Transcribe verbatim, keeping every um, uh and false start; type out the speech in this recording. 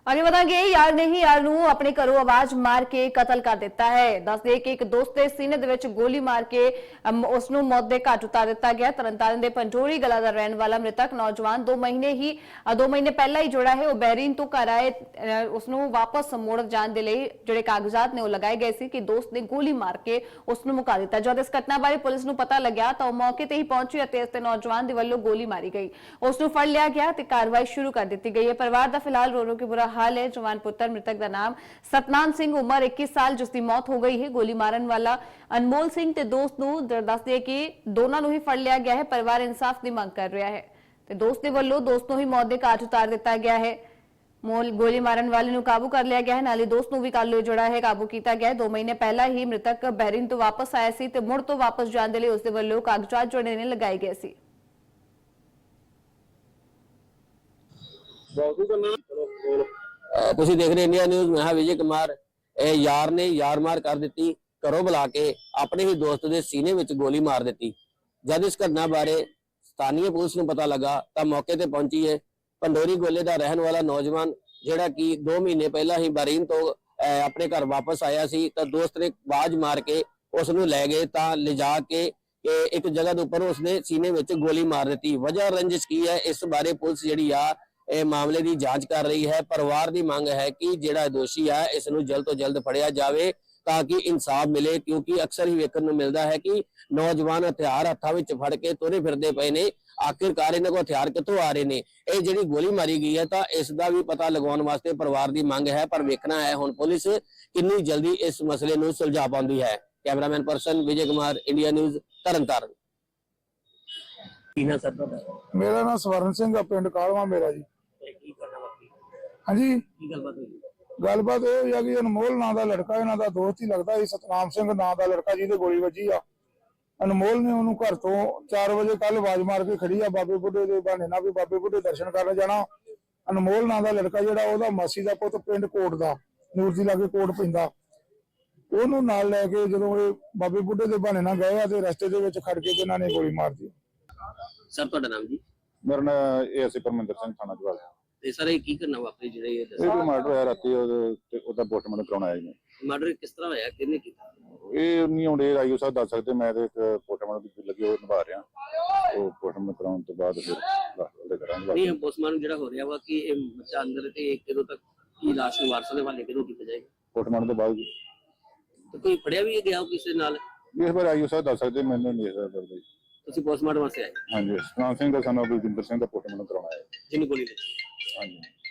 आगे बढ़ांगे। यार ने ही यार नू अपने घरों आवाज मार के कतल कर दिता है। दस दे कि एक दोस्त के सीने दे विच गोली मार के उसनू मौत के घाट उतार दिता गया। तरनतारन के पंजोरी गला का रहने वाला मृतक नौजवान दो महीने ही दो महीने पहला ही जोड़ा है वह बहरीन तो घर आए उसनू वापस मुड़ जाने के लिए जोड़े कागजात ने वो लगाए गए सी कि दोस्त ने गोली मार के उसनू मुका दिता। जब इस घटना बारे पुलिस नू पता लग्या तो मौके ते ही पहुंची और इस नौजवान के वल्लों गोली मारी गई। उसनू फड़ लिया गया तो कार्रवाई शुरू कर दी गई है। परिवार का फिलहाल रो रो के बुरा हाल है। जवान पुत्र मृतक का नाम सतनाम सिंह उम्र इक्कीस साल जिसकी मौत हो गई है। गोली मारन वाला अनमोल सिंह ते दोस्त नू दस दिए कि दोनों नू ही फड़ लिया गया है। परिवार इंसाफ की मांग कर रहा है ते दोस्त के वल्लों दोस्त नू ही मौत के घाट उतार दिता गया है। मोल गोली मारन वाले नू काबू कर लिया गया है। नाले दोस्त नू भी कल जोड़ा है काबू किया गया है। दो महीने पहला ही मृतक बहरीन तो वापस आया सी ते मुड़ तो वापस जाने के लिए उसके वल्लों कागजात जोड़े ने लगाए गए सी। ਤੁਸੀਂ ਦੇਖ ਰਹੇ ਇੰਡੀਆ ਨਿਊਜ਼। ਮੈਂ ਵਿਜੇ ਕੁਮਾਰ। ਇਹ ਯਾਰ ਨੇ ਯਾਰ ਮਾਰ ਕਰ ਦਿੱਤੀ। ਘਰੋਂ ਬੁਲਾ ਕੇ ਆਪਣੇ ਹੀ ਦੋਸਤ ਦੇ ਸੀਨੇ ਵਿੱਚ ਗੋਲੀ ਮਾਰ ਦਿੱਤੀ। ਜਦ ਇਸ ਘਟਨਾ ਬਾਰੇ ਸਥਾਨੀ ਪੁਲਿਸ ਨੂੰ ਪਤਾ ਲੱਗਾ ਤਾਂ ਮੌਕੇ ਤੇ ਪਹੁੰਚੀ ਹੈ। ਪੰਡੋਰੀ ਗੋਲੇ ਦਾ ਰਹਿਣ ਵਾਲਾ ਨੌਜਵਾਨ ਜਿਹੜਾ ਕਿ ਦੋ ਮਹੀਨੇ ਪਹਿਲਾਂ ਹੀ ਬਹਰੀਨ ਤੋਂ ਆਪਣੇ ਘਰ ਵਾਪਸ ਆਇਆ ਸੀ ਤਾਂ ਦੋਸਤ ਨੇ ਆਵਾਜ਼ ਮਾਰ ਕੇ ਉਸ ਨੂੰ ਲੈ ਗਏ ਤਾਂ ਲਿਜਾ ਕੇ ਇੱਕ ਜਗ੍ਹਾ ਦੇ ਉੱਪਰ ਉਸਨੇ ਸੀਨੇ ਵਿੱਚ ਗੋਲੀ ਮਾਰ ਦਿੱਤੀ। ਵਜ੍ਹਾ ਰੰਜਿਸ਼ ਕੀ ਹੈ ਇਸ ਬਾਰੇ ਪੁਲਿਸ ਜਿਹੜੀ ਆ ਇਹ ਮਾਮਲੇ ਦੀ ਜਾਂਚ ਕਰ ਰਹੀ ਹੈ। ਪਰਿਵਾਰ ਦੀ ਮੰਗ ਹੈ ਕਿ ਜਿਹੜਾ ਦੋਸ਼ੀ ਹੈ ਇਸ ਨੂੰ ਜਲਦ ਤੋਂ ਜਲਦ ਫੜਿਆ ਜਾਵੇ ਤਾਂ ਕਿ ਇਨਸਾਫ ਮਿਲੇ ਕਿਉਂਕਿ ਅਕਸਰ ਹੀ ਵੇਖਣ ਨੂੰ ਮਿਲਦਾ ਹੈ ਕਿ ਨੌਜਵਾਨ ਹਥਿਆਰ ਹੱਥਾਂ ਵਿੱਚ ਫੜ ਕੇ ਤੁਰੇ ਫਿਰਦੇ ਪਏ ਨੇ। ਆਖਿਰਕਾਰ ਇਹਨਾਂ ਕੋਲ ਹਥਿਆਰ ਕਿੱਥੋਂ ਆ ਰਹੇ ਨੇ। ਇਹ ਜਿਹੜੀ ਗੋਲੀ ਮਾਰੀ ਗਈ ਹੈ ਤਾਂ ਇਸ ਦਾ ਵੀ ਪਤਾ ਲਗਾਉਣ ਵਾਸਤੇ ਪਰਿਵਾਰ ਦੀ ਮੰਗ ਹੈ ਪਰ ਵੇਖਣਾ ਹੈ ਹੁਣ ਪੁਲਿਸ ਕਿੰਨੀ ਜਲਦੀ ਇਸ ਮਸਲੇ ਨੂੰ ਸੁਲਝਾ ਪਾਉਂਦੀ ਹੈ। Cameraman person Vijay Kumar, India news, Tarn Taran. मेरा नाम स्वर्ण सिंह पिंड कालवा मेरा जी। हाँ जी गलबात यह है कि अनमोल नाम का लड़का इन्हों का दोस्त ही लगता है। सतनाम सिंह नाम का लड़का जिहदे गोली वजी आ। अनमोल ने उन्होंने घर तो चार बजे कल आवाज मार के खड़ी आ बाबे बुढ़े के बहाने ना भी बाबे बुढ़े दर्शन करने जाना। अनमोल नाम का लड़का जिहड़ा ओहदा मासी का पुत पिंड कोट का नूर जी लागे कोट पैंदा ओनू नाल लैके जदों बाबे बुढ़े के बहाने ना गए तो रस्ते के विच खड़ के ते इन्हां ने गोली मार दी। सर ਤੁਹਾਡਾ ਨਾਮ ਜੀ? ਮੇਰਾ ਨਾਮ ਏਐਸਏ ਪਰਮਿੰਦਰ ਸਿੰਘ ਥਾਣਾ ਜਵਾਲ। ਤੇ ਸਰ ਇਹ ਕੀ ਕਰਨਾ ਵਾਪਰੀ ਜਿਹੜਾ ਇਹ ਇਹ ਕੋਈ ਮਰਡਰ ਹੋਇਆ ਰਾਤੀ ਤੇ ਉਹਦਾ ਪੋਸਟਮਾਰਟਮ ਕਰਾਉਣ ਆਇਆ ਜੀ। ਮਰਡਰ ਕਿਸ ਤਰ੍ਹਾਂ ਹੋਇਆ, ਕਿਹਨੇ ਕੀਤਾ? ਇਹ ਨਹੀਂ ਹੁੰਦੇ ਆਈਓ ਸਾਹਿਬ ਦੱਸ ਸਕਦੇ। ਮੈਂ ਤੇ ਇੱਕ ਪੋਸਟਮਾਰਟਮ ਦੀ ਲੱਗੀ ਉਹ ਨਿਭਾ ਰਿਹਾ। ਉਹ ਪੋਸਟਮਾਰਟਮ ਕਰਾਉਣ ਤੋਂ ਬਾਅਦ ਫਿਰ ਉਹਦੇ ਕਰਾਂਗੇ। ਨਹੀਂ ਪੋਸਟਮਾਰਟਮ ਜਿਹੜਾ ਹੋ ਰਿਹਾ ਵਾ ਕਿ ਇਹ ਬੱਚਾ ਅੰਦਰ ਤੇ ਕਦੋਂ ਤੱਕ ਕੀ ਲਾਸ਼ ਨੂੰ ਵਾਰਸਾਂ ਦੇ ਹਵਾਲੇ ਕਦੋਂ ਕੀਤਾ ਜਾਏਗਾ? ਪੋਸਟਮਾਰਟਮ ਤੋਂ ਬਾਅਦ ਤੇ ਕੋਈ ਫੜਿਆ ਵੀ ਗਿਆ ਕਿਸੇ ਨਾਲ? ਇਸ ਵਾਰ ਆਈਓ ਸਾਹਿਬ ਦੱਸ ਸਕਦੇ, ਮੈਨੂੰ ਨਹੀਂ ਦੱਸ ਸਕਦੇ। ਤੁਸੀਂ ਪੋਸਟਮਾਰਟਮ ਵਾਸਤੇ ਆਏ? ਹਾਂਜੀ, ਸਤਨਾਮ ਸਿੰਘ ਦਾ ਸਾਨੂੰ ਬਲਜਿੰਦਰ ਸਿੰਘ ਦਾ ਪੋਸਟਮਾਰਟਮ ਕਰਾਉਣਾ ਹੈ। ਜਿਹਨੂੰ ਗੋਲੀ ਲੱਗੀ? ਹਾਂਜੀ।